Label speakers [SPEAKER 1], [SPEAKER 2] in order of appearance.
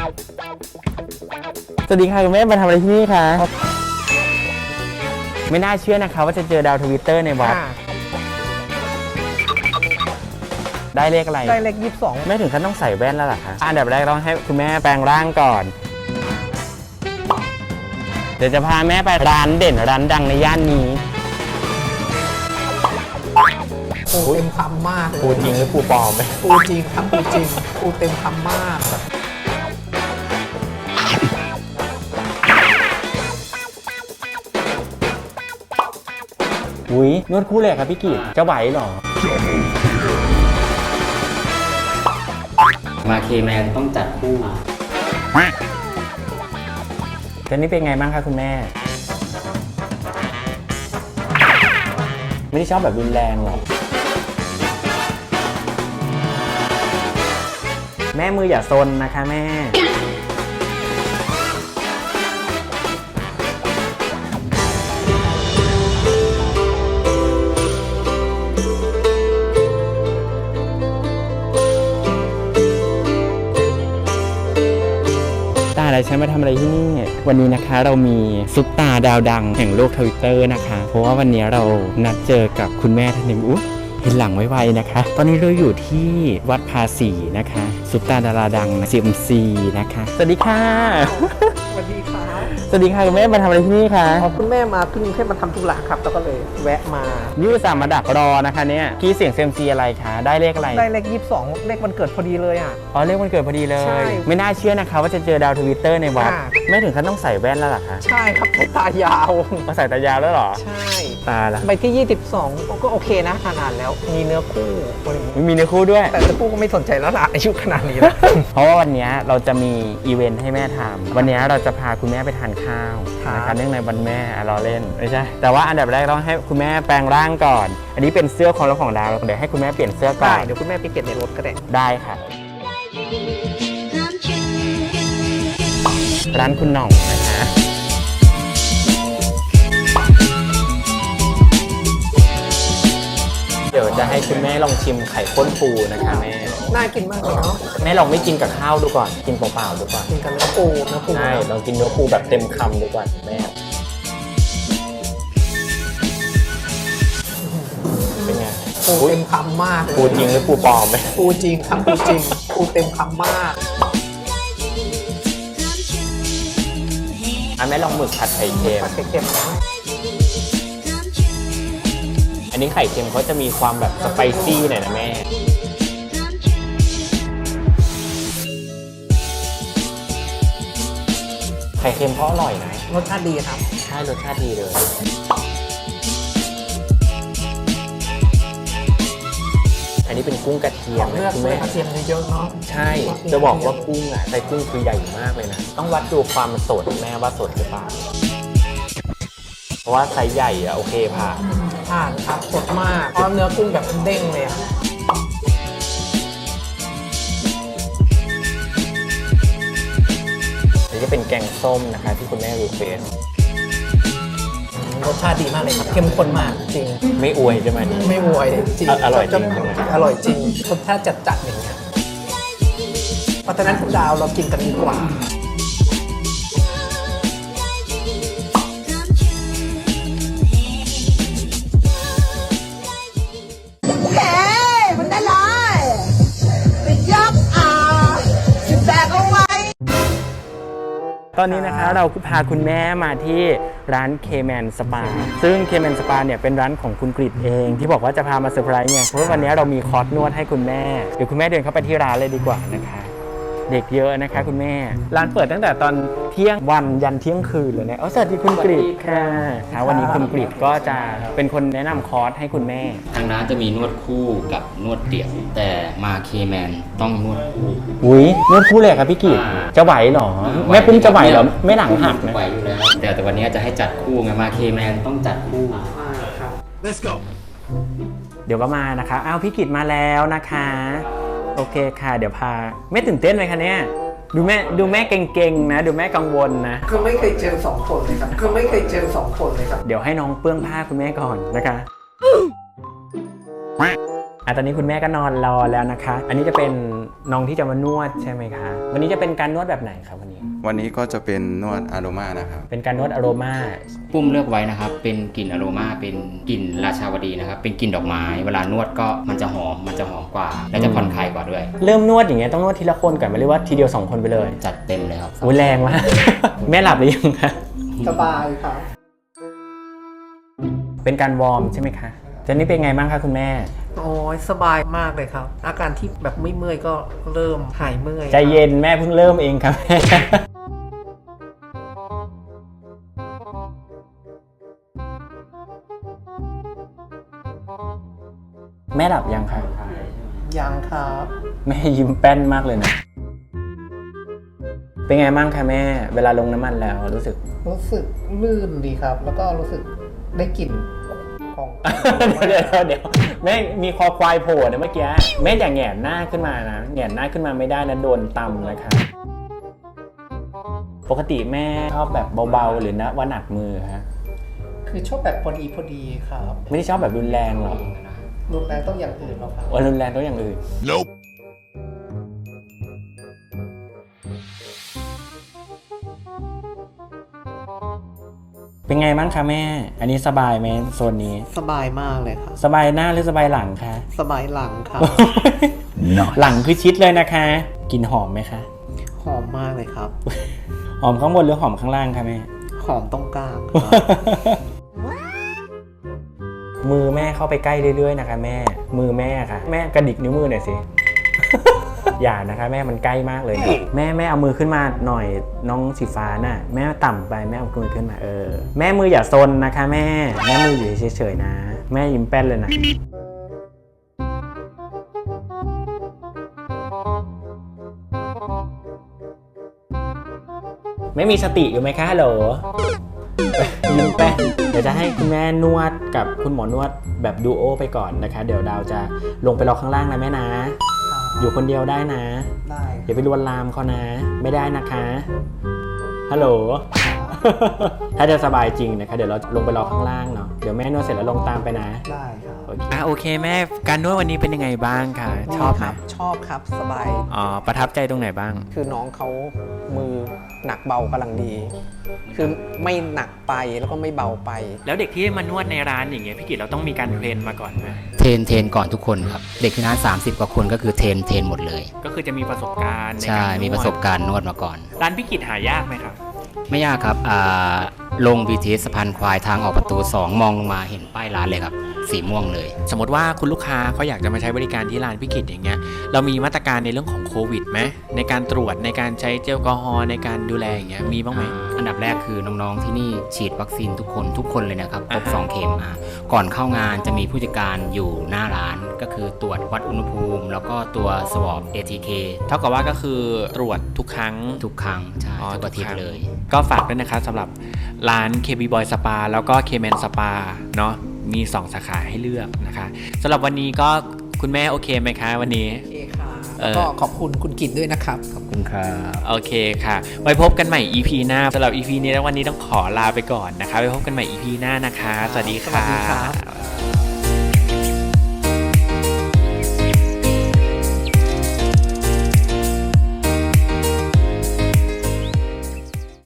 [SPEAKER 1] สวัสดีค่ะคุณแม่มาทำอะไรที่นี่คะไม่น่าเชื่อนะคะว่าจะเจอดาวทวิตเตอร์ในวัดได้เลขอะไร
[SPEAKER 2] ได้เลข22
[SPEAKER 1] ไม่ถึงขั้นต้องใส่แว่นแล้วหรอคะอันดับแรกต้องให้คุณแม่แปลงร่างก่อนเดี๋ยวจะพาแม่ไปร้านเด่นร้านดังในย่านนี้
[SPEAKER 2] ปูเต็มคำมากเลย
[SPEAKER 1] ปูจริงหรือปูปลอมไหม
[SPEAKER 2] ปูจริงครับปูจริงปูเต็มคำมาก
[SPEAKER 1] อุ้ยนวดคู่เลยครับพี่กิตจะไหวหรอ
[SPEAKER 3] มาเคแมนต้องจัดคู่
[SPEAKER 1] ตอนนี้เป็นไงบ้างคะคุณแม่ไม่ได้ชอบแบบรุนแรงหรอกแม่มืออย่าซนนะคะแม่อะไรฉันมาทำอะไรที่นี่วันนี้นะคะเรามีซุปตาดาวดังแห่งโลกทวิตเตอร์นะคะเพราะว่าวันนี้เรานัดเจอกับคุณแม่ท่านหนึ่งเห็นหลังไวๆนะคะตอนนี้เราอยู่ที่วัดภาษีนะคะซุปตาดาราดัง CMC นะคะสวัสดีค่ะ
[SPEAKER 2] สวัสดีครับ
[SPEAKER 1] สวัสดีค่ะคุณแม่มาทำอะไรที่นี่คะ
[SPEAKER 2] คุณแม่มาขึ้นแค่มาทำธุระครับแล้วก็เลยแวะมา
[SPEAKER 1] นี่อุตส่าห์มาดักรอนะคะเนี่ยพี่เสียง CMC อะไรคะได้เลขอะไร
[SPEAKER 2] ได้เลข22เลขวันเกิดพอดีเลยอ่ะ
[SPEAKER 1] อ๋อเลขวันเกิดพอดีเลยไม่น่าเชื่อนะคะว่าจะเจอดาวทวิตเตอร์ในวัดไม่ถึงขั้นต้องใส่แว่นแล้วหรอคะ
[SPEAKER 2] ใช่ครับตายาว
[SPEAKER 1] มาใส่ตายาวแล้วหรอ
[SPEAKER 2] ใช่
[SPEAKER 1] ตาละ
[SPEAKER 2] ใบที่22ก็โอเคนะขนาดแล้วมีเนื้อคู่
[SPEAKER 1] มีเนื้อคู่ด้วย
[SPEAKER 2] แต่เนื้อคู่ก็ไม่สนใจแล้วล่ะอายุขนาดนี้แล้ว
[SPEAKER 1] เพราะว่าวันนี้เราจะมีอีเวนต์ให้แม่ทำวันนี้เราจะพาคุณแม่ไปทานข้าวนะคะเนื่องในวันแม่เราเล่นไม่ใช่แต่ว่าอันดับแรกต้องให้คุณแม่แปลงร่างก่อนอันนี้เป็นเสื้อของเราของดาวเดี๋ยวให้คุณแม่เปลี่ยนเสื้อก่อน
[SPEAKER 2] เดี๋ยวคุณแม่ไปเปลี่ยนในรถก็ได้
[SPEAKER 1] ได้ค่ะร้านคุณหน่องนะคะเดี๋ยวจะให้คุณแม่ลองชิมไข่ข้นปูนะคะแม่
[SPEAKER 2] น่ากินมากเลยเนาะ
[SPEAKER 1] แม่ลองไม่กินกับข้าวดูก่อนกินเปล่าๆดูก่อน
[SPEAKER 2] กินกับเนื้อปู
[SPEAKER 1] ใช่ลองกินเนื้อปูแบบเต็มคำดูก่อนแม่เป็นไง
[SPEAKER 2] ปูเต็มคำมาก
[SPEAKER 1] ปูจริงหรือปูปลอมไหม
[SPEAKER 2] ปูจริงครับปูจริงปูเต็มคำมาก
[SPEAKER 1] แม่ลองหมึกผัดไข่เค็ม
[SPEAKER 2] ผัดไข่เค็มนะ
[SPEAKER 1] อันนี้ไข่เค็มเขาจะมีความแบบสไปซี่หน่อยนะแม่ไข่เค็มเพราะอร่อยนะ
[SPEAKER 2] รสชาติดีครับ
[SPEAKER 1] ใช่รสชาติดีเลยอันนี้เป็นกุ้งกระเทียม
[SPEAKER 2] เลือกเลยกระเทียมเยอะๆเนาะ
[SPEAKER 1] ใช่จะบอกว่ากุ้งอ่ะไส้กุ้งคือใหญ่มากเลยนะต้องวัดดูความสดแม่ว่าสดหรือเปล่าเพราะว่าไซส์ใหญ่อะโอเคผ่
[SPEAKER 2] านครับสดมากเพราะเนื้อกุ้งแบบเด้งเลยอะ
[SPEAKER 1] นี่จะเป็นแกงส้มนะคะที่คุณแม่รีเควส
[SPEAKER 2] รสชาติดีมากเลยครับเข้มข้นมากจริง
[SPEAKER 1] ไม่อวยใช่ไหมนี่
[SPEAKER 2] ไม่อวยจริง
[SPEAKER 1] อร่อยจริง
[SPEAKER 2] อร่อยจริงรสชาติจัดๆอย่างเงี้ยเพราะฉะนั้นคุณดาวเรากินกันดีกว่า
[SPEAKER 1] ตอนนี้นะคะเราพาคุณแม่มาที่ร้านเคแมนสปาซึ่งเคแมนสปาเนี่ยเป็นร้านของคุณกฤษเองที่บอกว่าจะพามาเซอร์ไพรส์ไงเพราะว่าวันนี้เรามีคอร์สนวดให้คุณแม่เดี๋ยวคุณแม่เดินเข้าไปที่ร้านเลยดีกว่านะคะเด็กเยอะนะคะคุณแม่ร้านเปิดตั้งแต่ตอนเที่ยงวันยันเที่ยงคืนเลยนะสวัสดีคุณกฤษค่ะวันนี้คุณกฤษก็จะเป็นคนแนะนำคอร์สให้คุณแม่
[SPEAKER 3] ทางร้านจะมีนวดคู่กับนวดเดี่ยวแต่มาเคแมนต้องนวดคู่
[SPEAKER 1] อุ้ยนวดคู่เลยครับพี่กฤษจะไหวหรอแม่ปุ้มจะไหวหรอไม่หลังหักนะ
[SPEAKER 3] ไหวอยู่แล้วแต่วันนี้จะให้จัดคู่ไงมาเคแมนต้องจัดคู่
[SPEAKER 2] ครับ
[SPEAKER 4] Let's go
[SPEAKER 1] เดี๋ยวก็มานะคะอ้าวพี่กฤษมาแล้วนะคะโอเคค่ะเดี๋ยวพาไม่ตื่นเต้นเลยคะเนี่ยดูแม่เก่งๆนะดูแม่กังวลนะ
[SPEAKER 2] คือไม่เคยเจอ2คนเลยครับเดี๋
[SPEAKER 1] ยวให้น้องเปื้องผ้าคุณแม่ก่อนนะคะตอนนี้คุณแม่ก็นอนรอแล้วนะคะ อันนี้จะเป็นน้องที่จะมานวดใช่ไหมคะ วันนี้จะเป็นการนวดแบบไหนครับวันนี้
[SPEAKER 4] วันนี้ก็จะเป็นนวดอาโรมานะครับ
[SPEAKER 1] เป็นการนวดอโรมา
[SPEAKER 3] ปุ้มเลือกไว้นะครับ เป็นกลิ่นอโรมาเป็นกลิ่นราชาวดีนะครับ เป็นกลิ่นดอกไม้ เวลานวดก็มันจะหอมกว่า และจะผ่อนคลายกว่าด้วย
[SPEAKER 1] เริ่มนวดอย่างเงี้ยต้องนวดทีละคนก่อนไหมหรือว่าทีเดียว2คนไปเลย
[SPEAKER 3] จัดเต็มเลยครับ
[SPEAKER 1] อุ้ยแรงมาก แม่หลับหรือยังคะ
[SPEAKER 2] สบายครับ
[SPEAKER 1] เป็นการวอร์มใช่ไหมคะตอนนี้เป็นไงบ้างคะคุณแม่
[SPEAKER 2] โอ้ยสบายมากเลยครับ อาการที่แบบไม่เมื่อยก็เริ่มหายเมื่อย
[SPEAKER 1] ใจเย็นแม่เพิ่งเริ่มเองครับ แม่หลับยังคะ
[SPEAKER 2] ยังครับ
[SPEAKER 1] แม่ยิ้มแป้นมากเลยนะ เป็นไงบ้างคะแม่ เวลาลงน้ำมันแล้วรู้สึก
[SPEAKER 2] รู้สึกลื่นดีครับ แล้วก็รู้สึกได้กลิ่นของ
[SPEAKER 1] เดี๋ยวแม่มีคอควายโผล่นะเมื่อกี้แม่อย่าแหงนหน้าขึ้นมานะแหงนหน้าขึ้นมาไม่ได้นะโดนตำนะคะปกติแม่ชอบแบบเบาๆหรือนะว่าหนักมือฮะ
[SPEAKER 2] คือชอบแบบพอดีครับ
[SPEAKER 1] ไม่ได้ชอบแบบรุนแรงหรอก
[SPEAKER 2] รุนแรงต้องอย่างอื่นแล้วครับ
[SPEAKER 1] ว่ารุนแรงต้องอย่างอื่น เป็นไงบ้างคะแม่ อันนี้สบายไหมโซนนี้
[SPEAKER 2] สบายมากเลยครับ
[SPEAKER 1] สบายหน้าหรือสบายหลังคะ
[SPEAKER 2] สบายหลังครับ
[SPEAKER 1] หลังคือชิดเลยนะคะกลิ่นหอมไหมคะ
[SPEAKER 2] หอมมากเลยครับ
[SPEAKER 1] หอมข้างบนหรือหอมข้างล่างคะแม่
[SPEAKER 2] หอมตรงกลางครับ
[SPEAKER 1] มือแม่เข้าไปใกล้เรื่อยๆนะคะแม่ มือแม่ค่ะ แม่กระดิกนิ้วมือหน่อยสิ อย่านะคะแม่มันใกล้มากเลยนะแม่เอามือขึ้นมาหน่อยน้องสีฟ้าน่ะแม่ต่ำไปแม่เอามือขึ้นมาแม่มืออย่าซนนะคะแม่มืออยู่เฉยๆนะ แม่ยิ้มแป้นเลยนะไม่มีสติอยู่ไหมคะฮัลโหลยิ้มแป้นเดี๋ยวจะให้คุณแม่นวดกับคุณหมอนวดแบบดูโอไปก่อนนะคะ เดี๋ยวดาวจะลงไปรอข้างล่างนะแม่นะ อยู่คนเดียวได้นะ
[SPEAKER 2] ได้
[SPEAKER 1] อย่าไปลวนลามเขานะ ไม่ได้นะคะ ฮัลโหล ถ้าจะสบายจริงนะคะ เดี๋ยวเราลงไปรอข้างล่างเนาะ เดี๋ยวแม่นวดเสร็จแล้วลงตามไปนะ
[SPEAKER 2] ได้ครับ
[SPEAKER 1] โอเคแม่ การนวดวันนี้เป็นยังไงบ้างคะชอบไหม
[SPEAKER 2] ชอบครับสบาย
[SPEAKER 1] อ๋อ ประทับใจตรงไหนบ้าง
[SPEAKER 2] คือน้องเขามือหนักเบากำลังดี คือไม่หนักไปแล้วก็ไม่เบาไป
[SPEAKER 1] แล้วเด็กที่มานวดในร้านอย่างเงี้ยพี่กิตเราต้องมีการเทรนมาก่อนไหม
[SPEAKER 3] เทรนก่อนทุกคนครับ เด็กที่ร้าน30 กว่าคนก็คือเทรนหมดเลย
[SPEAKER 1] ก็คือจะมีประสบการณ์ใน
[SPEAKER 3] ใช่
[SPEAKER 1] การนวด
[SPEAKER 3] มีประสบการณ์นวดมาก่อน
[SPEAKER 1] ร้านพี่กิตหายากไหมครับ
[SPEAKER 3] ไม่ยากครับลง BTS สะพานควายทางออกประตู 2 มองลงมาเห็นป้ายร้านเลยครับ สีม่วงเลย
[SPEAKER 1] สมมติว่าคุณลูกค้าเขาอยากจะมาใช้บริการที่ร้านพี่กิตอย่างเงี้ยเรามีมาตรการในเรื่องของโควิดไหมในการตรวจในการใช้เจลแอลกอฮอล์ในการดูแลอย่างเงี้ยมีบ้างไหม
[SPEAKER 3] อันดับแรกคือน้องๆที่นี่ฉีดวัคซีนทุกคนเลยนะครับครบ
[SPEAKER 1] อ่า
[SPEAKER 3] 2 เข็มก่อนเข้างานจะมีผู้จัดการอยู่หน้าร้านก็คือตรวจวัดอุณหภูมิ แล้วก็ตัว swab ATK
[SPEAKER 1] เท่ากับว่าก็คือตรวจทุกครั้ง
[SPEAKER 3] ทุกครั้งใช่
[SPEAKER 1] อ๋อ
[SPEAKER 3] ทุกอาทิต
[SPEAKER 1] ทุกครั้
[SPEAKER 3] ย์
[SPEAKER 1] ง
[SPEAKER 3] เลย
[SPEAKER 1] ก็ฝากด้วยนะครับสำหรับร้าน KB Boy Spa แล้วก็ K-Man Spa เนาะมี 2 สาขาให้เลือกนะคะสำหรับวันนี้ก็คุณแม่โอเคไหมคะวันนี้
[SPEAKER 2] โอเคค่ะก็ขอบคุณคุณกิตด้วยนะครับ
[SPEAKER 3] ขอบคุณครับ
[SPEAKER 1] โอเคค่ะไว้พบกันใหม่ EP หน้าสำหรับ EP นี้แล้ววันนี้ต้องขอลาไปก่อนนะคะไว้พบกันใหม่ EP หน้านะคะสวัสดีค่ะ
[SPEAKER 2] สวัสดีครับ